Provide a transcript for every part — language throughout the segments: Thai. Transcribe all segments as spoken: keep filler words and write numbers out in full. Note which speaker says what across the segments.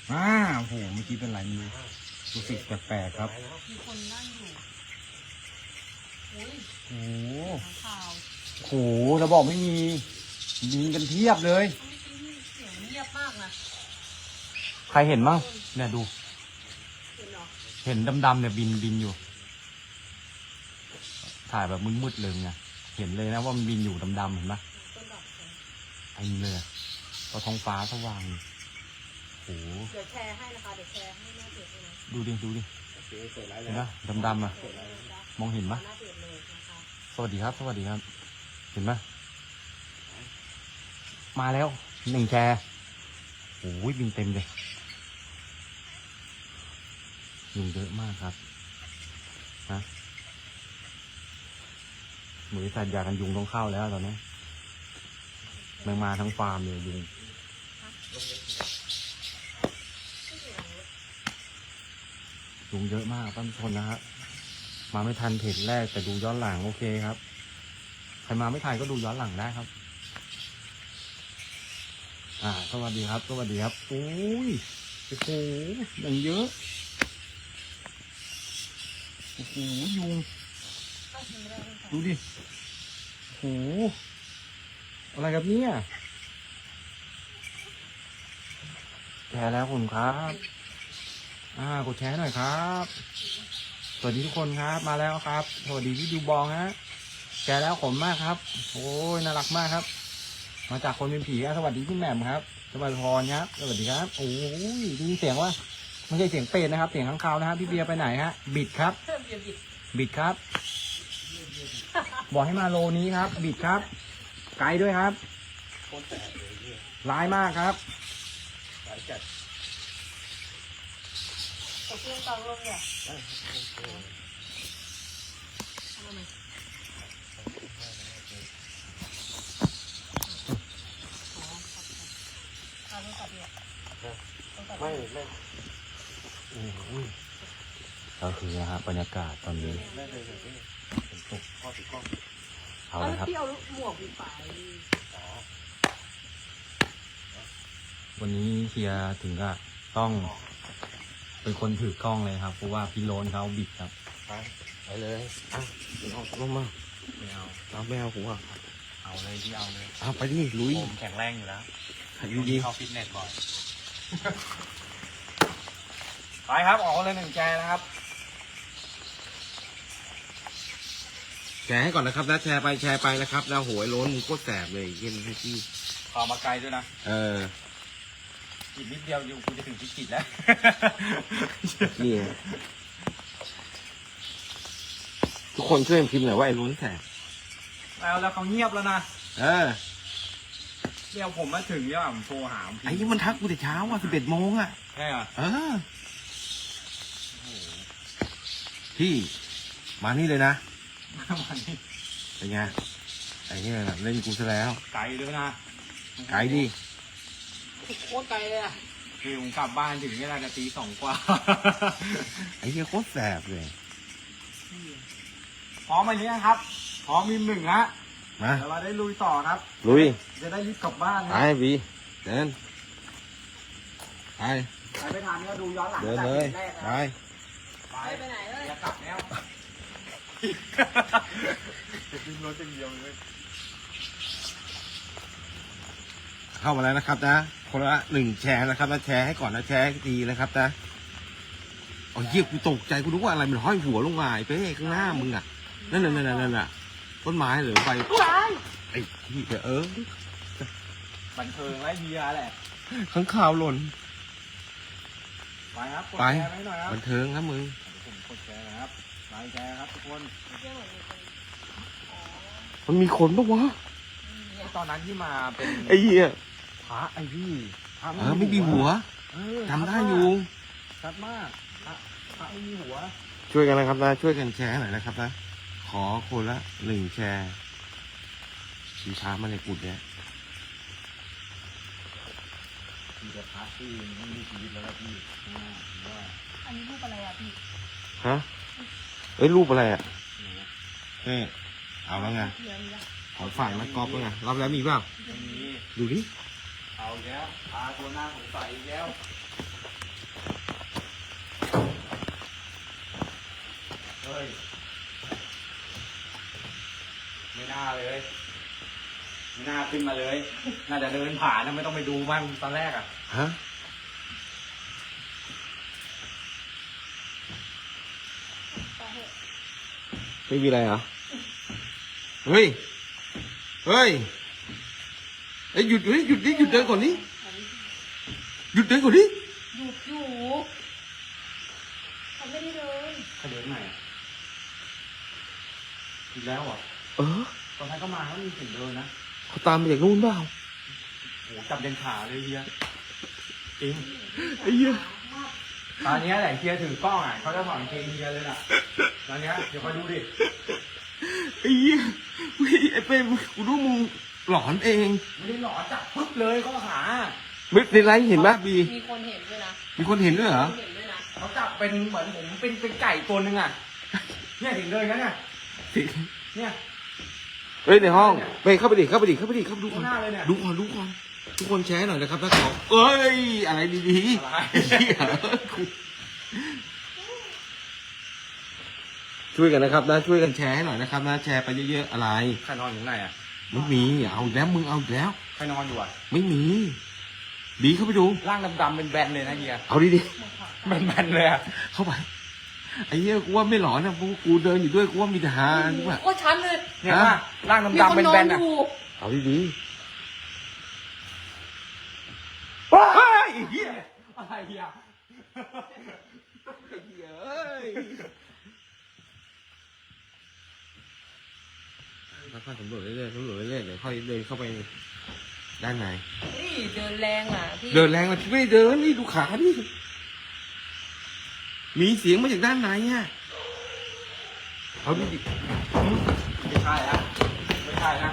Speaker 1: อ่าโอ้โหเมื่อกี้เป็นไรไมีรู้สึกแปลกๆครับ
Speaker 2: มีคนนั่งอยู่อุ้ย
Speaker 1: โอ้โห
Speaker 2: ข่าว
Speaker 1: โอ้โหเราบอกไม่มีบินกันเทียบเลย
Speaker 2: เสียงเงียบมากนะ
Speaker 1: ใครเห็นบ้างเนี่ยดู
Speaker 2: เห็นเหรอ
Speaker 1: เห็นดำๆเนี่ยบินบินอยู่ถ่ายแบบมืดๆเลยไงเห็นเลยนะว่ามันบินอยู่ดำๆเห็นไหม
Speaker 2: ต้นดอกแคร์
Speaker 1: ไอ้เลยพอท้องฟ้าสว่างโอ้โห
Speaker 2: เดี๋ยวแชร์ให้นะคะเดี๋ยวแชร์ให้หน้าเพจเลยนะ
Speaker 1: ดูดิดูดิเห็นไหมดำๆอ่ะมองเห็นไหม
Speaker 2: หน้าเพจเลยนะคะ
Speaker 1: สวัสดีครับสวัสดีครับเห็นไหมมาแล้วหนึ่งแชร์โอ้ยบินเต็มเลยยุงเยอะมากครับนะบริษัทยากันยุงต้องเข้าแล้วตอนนี้แมงมาทั้งฟาร์มเลยยุงยุงเยอะมากท่านผู้ชมนะฮะมาไม่ทันเพจแรกแต่ดูย้อนหลังโอเคครับใครมาไม่ทันก็ดูย้อนหลังได้ครับอ่าสวัสดีครับสวัสดีครับโอ้ยโอ้โหอย่างเยอะโอ้โหยุงดูดิโอ้โหอะไรครับเนี่ยแชร์แล้วคุณครับอ่ากดแชร์หน่อยครับสวัสดีทุกคนครับมาแล้วครับสวัสดีพี่ดูบองฮะแชร์แล้วขมมากครับโอ้ยน่ารักมากครับมาจากคนเป็นผีสวัสดีพี่แหม่มครับสวัสดีพรครับสวัสดีครับโอ้ยได้ยินเสียงว่าไม่ใช่เสียงเป็ดนะครับเสียงข้างคาวนะครับพี่เบียร์ไปไหนฮะบิดครับบิดครับบอกให้มาโลนี้ครับบิดครับไกลด้วยครับร้ายมากครับ
Speaker 2: ตกลงกลางลงเนี่ย
Speaker 1: ไม่ไม่โอ้ยก็คือนะฮะบรรยากาศตอนนี้เป็นตกข้อติดกล้องเอาเลยครับ
Speaker 2: พี่เอาหมวกปิดฝา
Speaker 1: วันนี้เฮียถึงก็ต้องเป็นคนถือกล้องเลยครับเพราะว่าพี่โลนเขาบิดครับ
Speaker 3: ไปไปเลยอ่ะเอาลงมา
Speaker 1: ไม่เอา
Speaker 3: เอาไม่เอาหัว
Speaker 1: เอาเลยที่เอาเลย
Speaker 3: เอาไปดิลุย
Speaker 1: ผมแข็งแรงอยู่แล้ว
Speaker 3: ลุยยิง
Speaker 1: เข้าฟิตเนสบ่อยไปครับออกเลยหนึ่งแจนะครับ
Speaker 3: แชร์ให้ก่อนนะครับนะแชร์ไปแชร์ไปนะครับแล้วโหยโล้นมึงโคตรแสบเลยเย็นให้พี่
Speaker 1: ขอมาไกลด้วยนะ
Speaker 3: เออ
Speaker 1: อีกนิดเดียวอยู่กูจะถึงพิจิตรแล้ว
Speaker 3: นี่ทุกคนช่วยพิมพ์หน่อยว่าไอ้โล้นแสบ
Speaker 1: แล้วแล้วเขาเงียบแล้วนะ
Speaker 3: เออ
Speaker 1: เดี๋ยวผมมาถึงเนี่ยผมโทรหา
Speaker 3: ไอ้นี่มันทักกูแต่เช้าอ่ะสิบเอ็ดโมงอ่ะ
Speaker 1: ใช่เหรอ
Speaker 3: เออพี่มานี่เลยนะ
Speaker 1: วันนี้
Speaker 3: เป็นไงไอ้นี่แบบเล่นกูซะแล้ว
Speaker 1: ไกลด้วยนะ
Speaker 3: ไกลดิ
Speaker 2: โคตรไกลเลยอ่ะ
Speaker 1: คือผมกลับบ้านถึงเวลาจะตีสองกว่า
Speaker 3: ไอ้นี่โคตรแสบเลย
Speaker 1: พร้อมไหมเนี่ยครับพร้อมมีหนึ่งฮะ
Speaker 3: มา
Speaker 1: เดี๋ยวเราได้ลุยต่อครับ
Speaker 3: ลุย
Speaker 1: จะได้รีบกลับบ้าน
Speaker 3: ไป
Speaker 1: นะ
Speaker 3: วีเดินไป
Speaker 1: ใครไม่ทันก็ดูย้อนหลัง
Speaker 3: เดินเลย
Speaker 1: แรก
Speaker 3: ไป
Speaker 1: นะ
Speaker 2: ไปไปไหนเลย
Speaker 1: อย่ากลับแล้วจะขึ้นรถอย่างเดียวเลย
Speaker 3: เข้ามาแล้วนะครับนะคนละหนึ่งแชร์นะครับนะแชร์ให้ก่อนนะแชร์ให้ดีนะครับนะโอ้ยเหี้ยกูตกใจกูนึกว่าอะไรมันห้อยหัวลงมาไอ้เป้ข้างหน้ามึงอ่ะนั่นน่ะนั่นน่ะนั่นน่ะต้นไม้หรือไฟไอ้ที่เออ
Speaker 1: บันเทิงไรเฮียแหละ
Speaker 3: ข้างข่าวหล่น
Speaker 1: ไปครับกด
Speaker 3: ไป
Speaker 1: แชร์ให้หน่อยครับ
Speaker 3: บันเทิงครับมึง
Speaker 1: เดี๋ยวผมกดแชร์นะครับไลค์แชร์ครับทุกคน
Speaker 3: มันมีคนปะวะ
Speaker 1: ตอนนั้นที่มาเป็น
Speaker 3: ไอ้เหี้ย
Speaker 1: พระไอ้พี่พระ
Speaker 3: เออไม่มีหัว
Speaker 1: เออ
Speaker 3: ทำได้อยู่
Speaker 1: ชัดมากพระพระไม่มีหัว
Speaker 3: ช่วยกันนะครับนะช่วยกันแชร์หน่อยนะครับนะขอคนละหนึ่งแชร์ชีช้ามาในกุดเนี่ย
Speaker 1: มีแต่พระที่ไม่มีชีวิตแล้วนะพี่อ่าว่า
Speaker 2: อันนี้รูปอะไรอ่ะพี่
Speaker 3: ฮะเอ้ยรูปอะไรอ่ะ
Speaker 1: เนี่ย
Speaker 3: เอ้เอาแล้วไง
Speaker 2: เทียมละ
Speaker 3: ของฝ่ายนักกอล์ฟแล้วไงรับแล้วมีเปล่า
Speaker 1: ไม่มี
Speaker 3: ดูดิ
Speaker 1: เอาอีกแล้วพาตัวหน้าสงสัยอีกแล้วเฮ้ยไม่น่าเลยไม่น่าขึ้นมาเลยน่าจะเดินผ่านนะไม่ต้องไปดูมันตอนแรกอ่ะ
Speaker 3: ฮะไม่มีอะไรเหรอเฮ้ยเฮ้ยไอ้ยหยุดเฮ้ยหยุดดิหยุดเดินก่อนดิหยุดเดินก่อนดิ
Speaker 2: หยุดอยู่เขาไม่ได้เดิน
Speaker 1: เขาเดินไหนอ่ะอีกแล้วเหรอ่ะ
Speaker 3: เออ
Speaker 1: ตอนนั้นก็มาเขามีเสียงเดินนะ
Speaker 3: เขาตามมาจากนู่นเปล่า
Speaker 1: โอ้โหจับเดินขาเลยเฮียจริง
Speaker 3: ไอ้เหี้ย
Speaker 1: ตอนเนี้ยแหละเฮียถือกล้องอ่ะเขาจะสอนเกงเฮียเลยล่ะตอนเนี้ยเดี๋ยวคอยดูดิ
Speaker 3: ไอ้เหี้ยเฮ้ยไอ้เป้กูรู้มึงหลอนเอง
Speaker 1: ไม่ได้หลอจับปึ๊บเลยข้อขา
Speaker 3: ไม่ในไลฟ์เห็นปะบี
Speaker 2: มีคนเห็นด้วยนะ
Speaker 3: มีคนเห็นด้วยเหรอ
Speaker 2: มีคนเห็นด้วยนะ
Speaker 1: เขาจับเป็นเหมือนผมเป็นเป็นไก่ตัวหนึ่งอ่ะเนี่ยถึงเลยงั้นเนี่ยเนี่ย
Speaker 3: เฮ้ยในห้องไปเข้าไปดิเข้าไปดิเข้าไปดิเข้าไปดูก่อน
Speaker 1: ข้างหน้าเลยเนี่ย
Speaker 3: ดูก่อนดูก่อนทุกคนแชร์หน่อยนะครับถ้าของเอ้ยอะไรดีๆ
Speaker 1: อะไร
Speaker 3: เหี้ยช่วยกันนะครับนะช่วยกันแชร์ให้หน่อยนะครับนะแชร์ไปเยอะๆอะไร
Speaker 1: ใครนอนอยู่ข้างในอ่ะ
Speaker 3: ไม่มีเอาอีกแล้วมึงเอาอีกแล้ว
Speaker 1: ใครนอนอยู่อ่ะ
Speaker 3: ไม่มีบีเข้าไปดู
Speaker 1: ร่างดำๆเป็นแบนเลยนะเฮีย
Speaker 3: เอาดี
Speaker 1: แบนๆเลยอ่ะ
Speaker 3: ๆเข้าไปไอ้เหี้ยกูว่าไม่หลอนนะกูกูเดินอยู่ด้วยกูว่ามีทหารกูว่า
Speaker 2: โคตรชันเลย
Speaker 1: เนี่ยว่าร่าง
Speaker 2: มี
Speaker 1: ดำ
Speaker 2: ค
Speaker 1: ๆ
Speaker 2: น
Speaker 1: เป็น
Speaker 2: นอ
Speaker 1: แบ
Speaker 2: น
Speaker 1: น
Speaker 2: อ
Speaker 1: อ่ะ
Speaker 2: ยู่
Speaker 3: เอาดีๆ
Speaker 1: ว้ายเฮียอะไรเฮีย
Speaker 3: เอ้ยค่อยๆสำรวจเรื่อยๆสำรวจเรื่อยๆเดี๋ยวค่อยเดินเข้าไปด้านใน
Speaker 2: นี่เดินแรงอ่ะพี่
Speaker 3: เดินแรงมาไม่ได้เดินนี่ดูขาดิมีเสียงมาจากด้านในอ่ะเอาดิ
Speaker 1: ไม่ใช่นะไม่ใช่นะ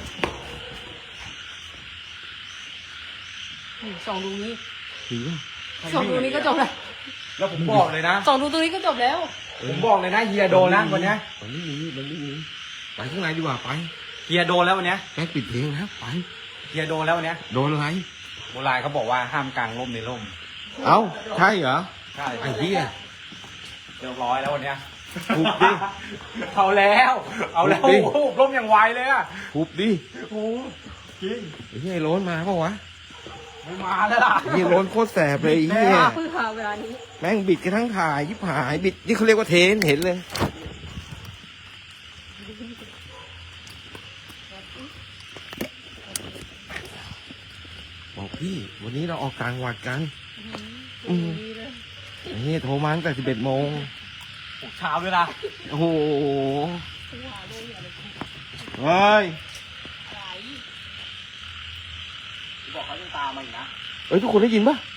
Speaker 2: สองดูนี้
Speaker 3: ถือว่า
Speaker 2: สองดูนี้ก็จบแล้ว
Speaker 1: แล้วผมบอกเลยนะ
Speaker 2: สองดูตัวนี้ก็จบแล้ว
Speaker 1: ผมบอกเลยนะเฮียโดนนะวันเนี้ย
Speaker 3: มันไม่มีมันไม่มีไปข้างในดีกว่าไป
Speaker 1: เฮียโดนแล้ววันเนี้ย
Speaker 3: แกปิดเพลงแล้วไป
Speaker 1: เฮียโดนแล้ววันเนี้ย
Speaker 3: โดนอะไร
Speaker 1: โบราณเขาบอกว่าห้ามกางร่มในร่ม
Speaker 3: เอ้าใช่เหรอ
Speaker 1: ใช่
Speaker 3: ไอ้เหี้ย
Speaker 1: เรียบร้อยแล้ววันเนี้ย
Speaker 3: ถูกดิ
Speaker 1: เอาแล้ว เอาแล้ว
Speaker 3: ถู
Speaker 1: โอ้
Speaker 3: กดิ
Speaker 1: โหร่มอย่างไวเลยอ่ะ
Speaker 3: ทุบดิ
Speaker 1: โอ้โหจริง
Speaker 3: ไอ้เหี้ยไอ้โล้นมาเปล่าวะ
Speaker 1: ไม่มาแล้วล่ะ
Speaker 3: ไอ้เหี้ยโล้นโคตรแสบเลยไอ้เหี้ย
Speaker 2: เพิ่งหาเวลานี้
Speaker 3: แม่งบิดกันทั้งถ่ายยิบหายบิดนี่เขาเรียกว่าเทนเห็นเลยบอกพี่วันนี้เราออกกลางวัดกัน อืม
Speaker 2: ดีเลย
Speaker 3: ไอ้เหี้ยโทรมาตั้งแต่สิบเอ็ดโมง
Speaker 1: ปลุกเช้าด้วยนะ
Speaker 3: โอ้โห
Speaker 2: กูหาดูอย่าเลย
Speaker 3: เฮ้ย
Speaker 2: ไหล
Speaker 1: บอกเขาจะตามมาอีกนะ
Speaker 3: เอ้ยทุกคนได้ยินปะ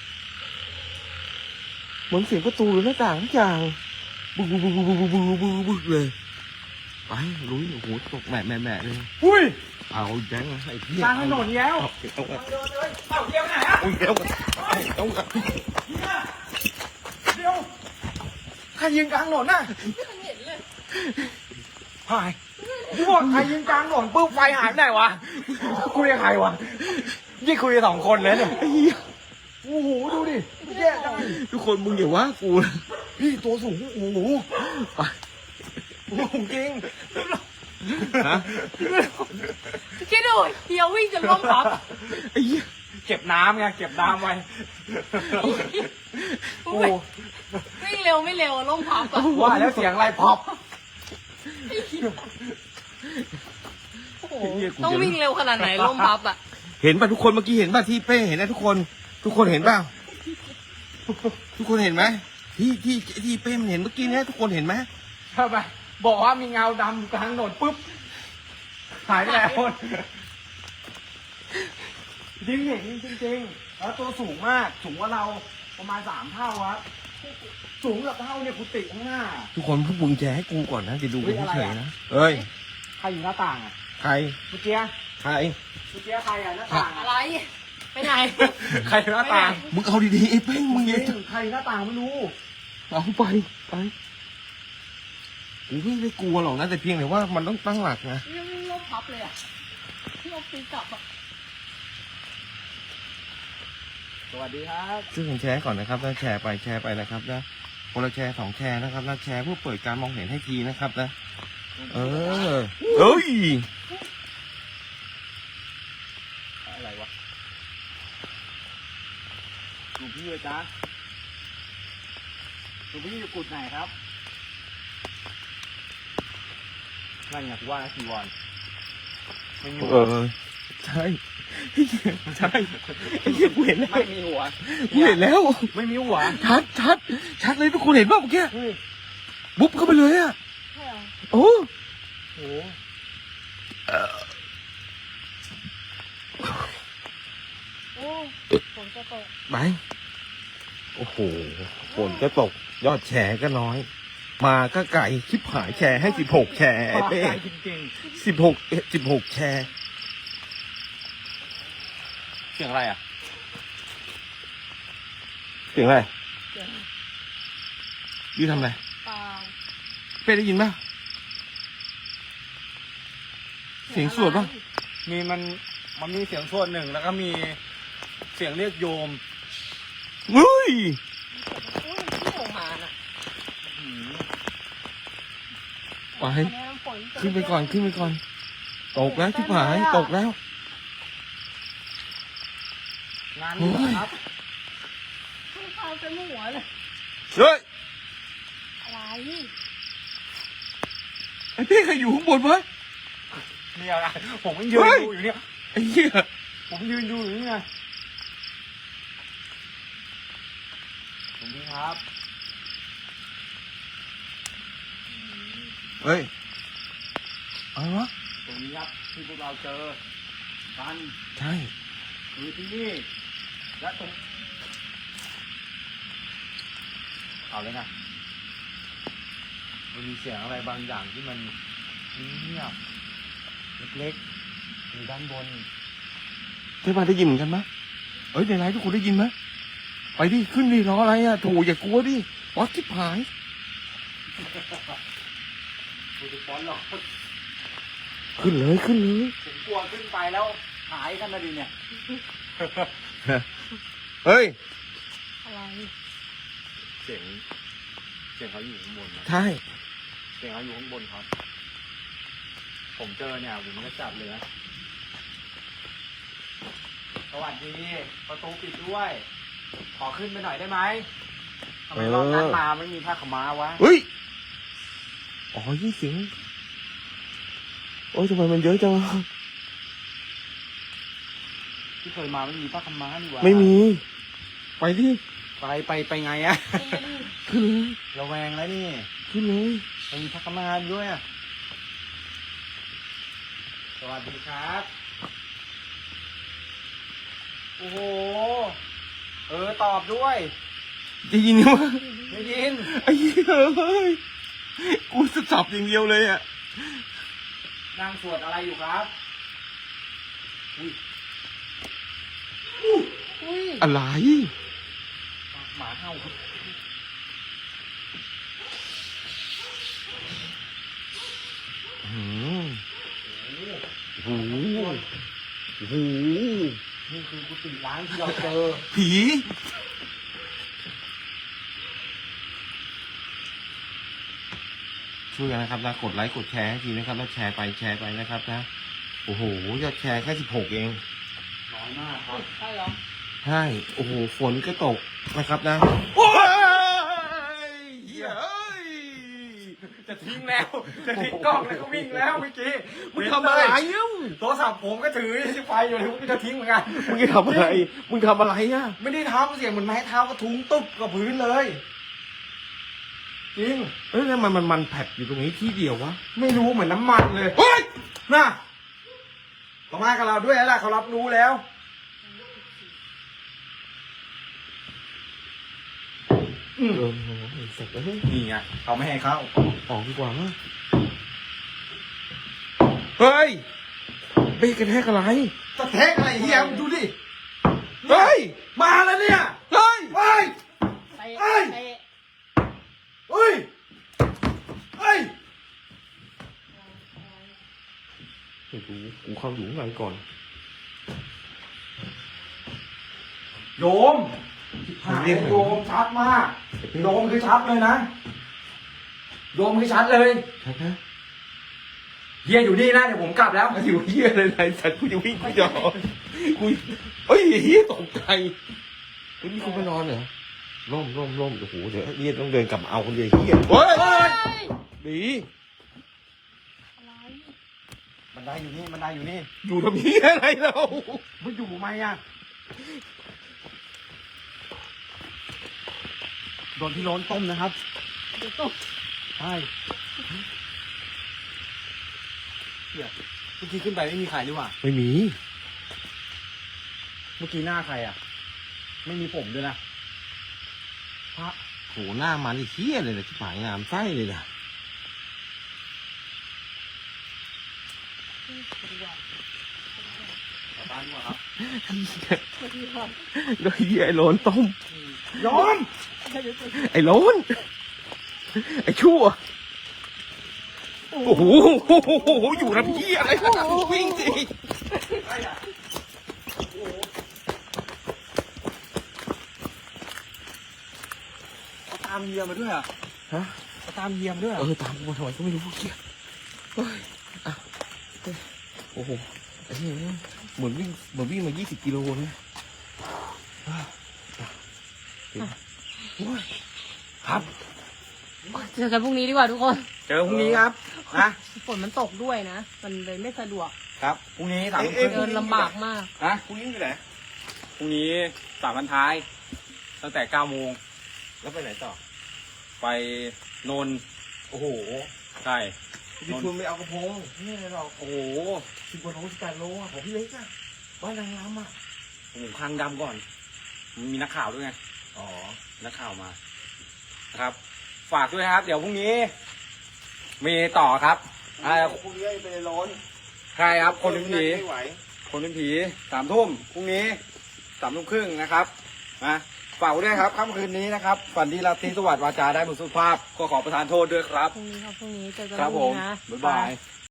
Speaker 3: เหมือนเสียงประตูหรือหน้าต่างทุกอย่างบึกบึกบึกบึกบึกบึกบึกบึกเลยไปลุยโอ้โหตกแหม่แหม่แหม่เลย
Speaker 1: อุ้ย
Speaker 3: เอาอีกแบงค์นะไอ้เหี้ย
Speaker 1: กลางถนนแล้ว
Speaker 3: เอาเอาเอา
Speaker 1: เดินเลยเอ้าเฮียไปไหนอ่ะ
Speaker 3: เอาเอาเอาเอา
Speaker 1: เฮียเดี๋ยวใครยืนกลางถนนน่ะ
Speaker 2: ไม่เห็นเลย
Speaker 1: หายกูบอกใครยืนกลางถนนปุ๊บไฟหายไปไหนวะคุยกับใครวะยี่คุยกับสองคนเลยเนี่ย
Speaker 3: ไอ้เหี้ย
Speaker 1: โอ้โหดูดิแย่จัง
Speaker 3: ทุกคนมึงอย่าว่ากูนะ
Speaker 1: พี่ตัวสูงโอ้โห
Speaker 3: ไป
Speaker 1: โอ้โหจริง
Speaker 3: ฮะ
Speaker 2: คิดดูเฮียวิ่งจนล้มพับ
Speaker 3: ไอ้เหี้ย
Speaker 1: เก็บน้ำไงเก็บน้ำไว้โอ้โห
Speaker 2: วิ่งเร็วไม่เร็วล้มพับอะ
Speaker 1: ว่าแล้วเสียงอะไรพอบ
Speaker 2: โอ้โหต้องวิ่งเร็วขนาดไหนล้มพับอะ
Speaker 3: เห็นป่ะทุกคนเมื่อกี้เห็นป่ะที่เป้เห็นนะทุกคน ทุกคนเห็นป่ะทุกคนเห็นไหมที่ที่ที่เป้มันเห็นเมื่อกี้เนี้ยทุกคนเห็นไหม
Speaker 1: ทำไมบอกว่ามีเงาดำกลางถนนปุ๊บหายไปแล้วจริงเห็นจริงจริงๆแล้วตัวสูงมากสูงกว่าเราประมาณสามเท่าครับสูงกับเท่าเนี่ยกุฏิข้างหน้า
Speaker 3: ทุกคนพวกมึงแชร์ให้กูก่อนนะจะดูกัน
Speaker 1: เฮ้ยอะไร
Speaker 3: เฉย
Speaker 1: อะ
Speaker 3: ๆนะเอ้ย
Speaker 1: ใครอยู่หน้าต่างอ่ะ
Speaker 3: ใคร
Speaker 1: เมื่อกี้
Speaker 3: ใคร
Speaker 1: เมื่อกี้ใครอ่ะหน้าต่าง
Speaker 2: อะไร ไปไหน
Speaker 1: ใครอยู่หน้าต่าง
Speaker 3: มึงเอาดีๆไอ้เป้งมึง
Speaker 1: จ
Speaker 3: อย่า
Speaker 1: ริงใครอยู่หน้าต่างไม่รู้
Speaker 3: เอาไปไปกูไม่ได้กลัวหรอกนะแต่เพียงแต่ว่ามันต้องตั้งหลักนะ
Speaker 2: ยังวิ่งล้มพับเลยอะที่เอาปีกลับอะ
Speaker 1: สวัสดีครับ
Speaker 3: ช่วยกันแชร์ก่อนนะครับแล้วแชร์ไปแชร์ไปนะครับนะคนละแชร์สองแชร์นะครับนะแชร์เพื่อเปิดการมองเห็นให้ทีนะครับนะเออเฮ้ย
Speaker 1: อะไรวะหลวงพี่เลยจ้าหลวงพี่อยู่กุดไหนครับนั่นไงกูว่านะจีวรไม่มี
Speaker 3: เออใช่ใช่ไอ้เหี้ยกูเห็นแล้ว
Speaker 1: ไม่มีหัว
Speaker 3: กูเห็นแล้ว
Speaker 1: ไม่มีหัว
Speaker 3: ชัดชัดชัดเลยทุกคนเห็นป่ะเมื่อกี้
Speaker 1: เฮ้ย
Speaker 3: บุ๊บเข้าไปเลยอ่ะ
Speaker 2: ใช่เหรอ
Speaker 3: โอ้
Speaker 1: โห
Speaker 2: โอ้ฝนจะตก
Speaker 3: ไปโอ้โหฝนก็ตกยอดแชร์ก็น้อย มาก็ไก่ชิบหายแชร์ให้สิบหกแชร์ไอ้เป้
Speaker 1: จริง
Speaker 3: สิบหกสิบหกแชร์
Speaker 1: ๆเสียงอะไรอ่ะ
Speaker 3: เสียงอะไร
Speaker 2: เสียง
Speaker 3: ยี่ทำอะไร
Speaker 2: เปล่า
Speaker 3: เป้ได้ยินป่ะ เสียงสวดป่ะ
Speaker 1: มีมันมันมีเสียงสวดหนึ่งแล้วก็มีเสียงเรียกโยม
Speaker 3: เฮ้ย
Speaker 2: โอ้ยที่ออกมาน่ะ
Speaker 3: ไป
Speaker 2: อันนี้ฝนจะ
Speaker 3: ขึ้นไปก่อนขึ้นไปก่อน ตกแล้วชิบหายตกแล้ว
Speaker 1: งานนี้ครับ
Speaker 2: ขึ้นข้าวเต็มหัวเลย
Speaker 3: เฮ้ย
Speaker 2: อะไร
Speaker 3: ไอ้เป้ใครอยู่ข้างบนวะ
Speaker 1: มีอะไรผมยังยืน
Speaker 3: เฮ้ย
Speaker 1: ดูอยู่เนี่ย
Speaker 3: ไอ้เหี้ย
Speaker 1: ผมยืนดูอยู่นี่ไงหลวงพี่ครับ
Speaker 3: เฮ้ยอะไรวะ
Speaker 1: ตรงนี้ครับที่พวกเราเจอกัน
Speaker 3: ใช่
Speaker 1: คือที่นี่และตรงเอาเลยนะมันมีเสียงอะไรบางอย่างที่มันเงียบเล็กๆอยู่ด้านบน
Speaker 3: เพื่อนบ้านได้ยินเหมือนกันไหมเอ้ยในไลน์ทุกคนได้ยินไหมไปดิขึ้นดิรออะไรอ่ะโถอย่ากลัวดิป๊อตชิบหาย
Speaker 1: กูจะฟ้อนหรอก
Speaker 3: ขึ้นเลยขึ้นเลย
Speaker 1: ผมกลัวขึ้นไปแล้วหายกันนะดิเนี่ย
Speaker 3: เฮ้ย
Speaker 2: อะไร
Speaker 1: เสียงเสียงเขาอยู่ข้างบนนะ
Speaker 3: ใช่
Speaker 1: เสียงเขาอยู่ข้างบนครับ ผมเจอเนี่ยผมก็จับเลยนะสวัสดีประตูปิดด้วย ขอขึ้นไปหน่อยได้ไหมทำไมรอบนั้นมาไม่มีผ้าขาวม้าวะ
Speaker 3: เฮ้ยอ๋อยี่เสียงโอ้ยทำไมมันเยอะจังวะ
Speaker 1: ที่เคยมาไม่มีผ้าขาวม้านี่หวะ
Speaker 3: ไม่มี ไปดิ
Speaker 1: ไปไปไปไงอะ
Speaker 3: ขึ้นเลย
Speaker 1: ระแวงแล้วนี่
Speaker 3: ขึ้นเลย
Speaker 1: ไม่มีผ้าขาวม้าด้วยอะสวัสดีครับ โอ้โห เออตอบด้วย
Speaker 3: ได้ยินไหมวะ
Speaker 1: ไม่ยิน
Speaker 3: ไอ้เหี้ยเฮ้ยกูจะจับอย่างเดียวเลยอ่ะ
Speaker 1: นั่งสวดอะไรอยู่ครับ อุ้ย
Speaker 2: อุ้ย
Speaker 3: อะไร
Speaker 1: หมาเห่าครับ
Speaker 3: อืมโอ้โหโอ้โห
Speaker 1: นี่คือกุฏิล้างที่เราเจอ
Speaker 3: ผีช่วยกันนะครับนะกดไลค์กดแชร์ให้ทีนะครับแล้วแชร์ไปแชร์ไปนะครับนะโอ้โหยอดแชร์แค่สิบหกเอง
Speaker 1: น้อยมากครับ
Speaker 2: ใช่เหรอ
Speaker 3: ใช่โอ้โหฝนก็ตกนะครับนะโอ้ยเหี้ยเอ้ย
Speaker 1: จะทิ้งแล้ว จะทิ้งกล้องแล้วก็วิ่งแล้วเมื่อกี้
Speaker 3: มึงทำอะไรเอ้า
Speaker 1: โทรศัพท์ผมก็ถือไฟอยู่เลยผมจะทิ้งเหมือนกัน
Speaker 3: มึงจะทำอะไรมึงทำอะไรอ่ะ
Speaker 1: ไม่ได้ทำเสียงเหมือนไม้เท้ากระทุ้งตุ๊บกับพื้นเลย จริง
Speaker 3: เอ้ยแล้วมันมันมันแผดอยู่ตรงนี้ที่เดียววะ
Speaker 1: ไม่รู้เหมือนน้ำมันเลย
Speaker 3: เฮ้ย
Speaker 1: น่ะเขามากับเราด้วยแล้วล่ะเขารับรู้แล้ว อืม
Speaker 3: เออโหไอ้สัตว์เอ้ย
Speaker 1: นี่ไงเขาไม่ให้เข้า
Speaker 3: ออกดีกว่ามั้งเฮ้ยเบรกกระแทกอะไร
Speaker 1: จะแทกอะไรเฮียมึงดูดิ
Speaker 3: เฮ้ย
Speaker 1: มาแล้วเนี่ย
Speaker 3: เฮ้ย
Speaker 1: เฮ้ย
Speaker 2: ไป
Speaker 1: เอ้ย
Speaker 2: ไป
Speaker 1: เฮ้ยเฮ้ย
Speaker 3: ไม่รู้กูเข้าอยู่ข้างในก่อน
Speaker 1: โยมหาโยมชัดมากโยมคือชัดเลยนะโยมคือชัดเลย
Speaker 3: ชัดนะ
Speaker 1: เฮียอยู่นี่นะเดี๋ยวผมกลับแล้ว
Speaker 3: อยู่เฮียอะไรไรสัตว์กูจะวิ่งกูจะกูเฮ้ยเฮียตกใจเฮ้ยมีคนมานอนเหรอล่มล่มล่มโอ้โหเดี๋ยวเฮียต้องเดินกลับมาเอาคนเดียวเฮียเฮ้ยดี
Speaker 1: บันไดอยู่นี่บันไดอยู่นี่
Speaker 3: อยู่ทำเฮียอะไรเรา
Speaker 1: มันอยู่ไหมอ่ะโดนพี่โล้นต้มนะครับ
Speaker 2: เดี๋ยวต้ม
Speaker 1: ใช่เดี๋ยวเมื่อกี้ขึ้นไปไม่มีใครหรือเปล่า
Speaker 3: ไม่มี
Speaker 1: เมื่อกี้หน้าใครอ่ะ ไม่มีผมด้วยนะพระ
Speaker 3: โหหน้ามันไอ้เฮียเลยนะที่หายงามไส้เลยนะ
Speaker 1: บ้านดีกว่าครับ
Speaker 3: โดยเฮียไอ้โลนต้ม
Speaker 1: ยอม
Speaker 3: ไอ้โลนไอ้ชั่วโอ้โหอยู่ทำเฮียอะไรวิ่งสิ
Speaker 1: เขาตามเฮียมาด้วยอ่ะ
Speaker 3: ฮะ
Speaker 1: เขาตามเฮียมาด้วย
Speaker 3: เออตามกูมาทำไมก็ไม่รู้เฮียเฮ้ยอ่ะเฮ้ยโอ้โหไอ้เฮียเหมือนวิ่งเหมือนวิ่งมายี่สิบกิโลเลยอ่ะอ่ะโอ้ยครับ
Speaker 2: เจอกันพรุ่งนี้ดีกว่าทุกคน
Speaker 1: เจอพรุ่งนี้ครับนะ
Speaker 2: ฝนมันตกด้วยนะ มันเลยไม่สะดวก
Speaker 1: ครับพรุ่งนี้สาม
Speaker 3: เอ๊ะ
Speaker 1: ทุ่มครึ่ง
Speaker 2: เดินลำบากมาก
Speaker 1: นะ
Speaker 3: พรุ่งนี้ไปไหน
Speaker 1: พรุ่งนี้สามวันท้าย ตั้งแต่เก้าโมง
Speaker 3: แล้วไปไหนต่อ
Speaker 1: ไปนนท์
Speaker 3: โอ้โห
Speaker 1: ใช่
Speaker 3: พี่ชวนไปเอากระพงนี่อะไรหรอก
Speaker 1: โอ้โห
Speaker 3: สิบกว่าโลสิบแปดโลอ่ะของพี่เล็กอ่ะบ้านนางรำอ่ะ
Speaker 1: ผมคลังดำก่อน มีนักข่าวด้วยไง
Speaker 3: อ๋อ
Speaker 1: นักข่าวมานะครับ ฝากด้วยนะครับ เดี๋ยวพรุ่งนี้ มีต่อครับอ่า
Speaker 3: พรุ่งนี้ไปร้อน
Speaker 1: ใครครับ คนเป็นผี
Speaker 3: ไม่ไหว
Speaker 1: คนเป็นผีสามทุ่มพรุ่งนี้สามทุ่มครึ่งนะครับนะฝากไว้ด้วยครับค่ำคืนนี้นะครับฝันดีราตรีสวัสดิ์วาจาได้บุญสุภาพก็ขอประทานโทษด้วยครับ
Speaker 2: พรุ่งนี้ครับพรุ่งนี้เจอกัน
Speaker 1: ครับ
Speaker 2: พ
Speaker 1: ผ
Speaker 2: รุ่ง
Speaker 1: ม
Speaker 2: นี้นะ
Speaker 1: บ๊ายบาย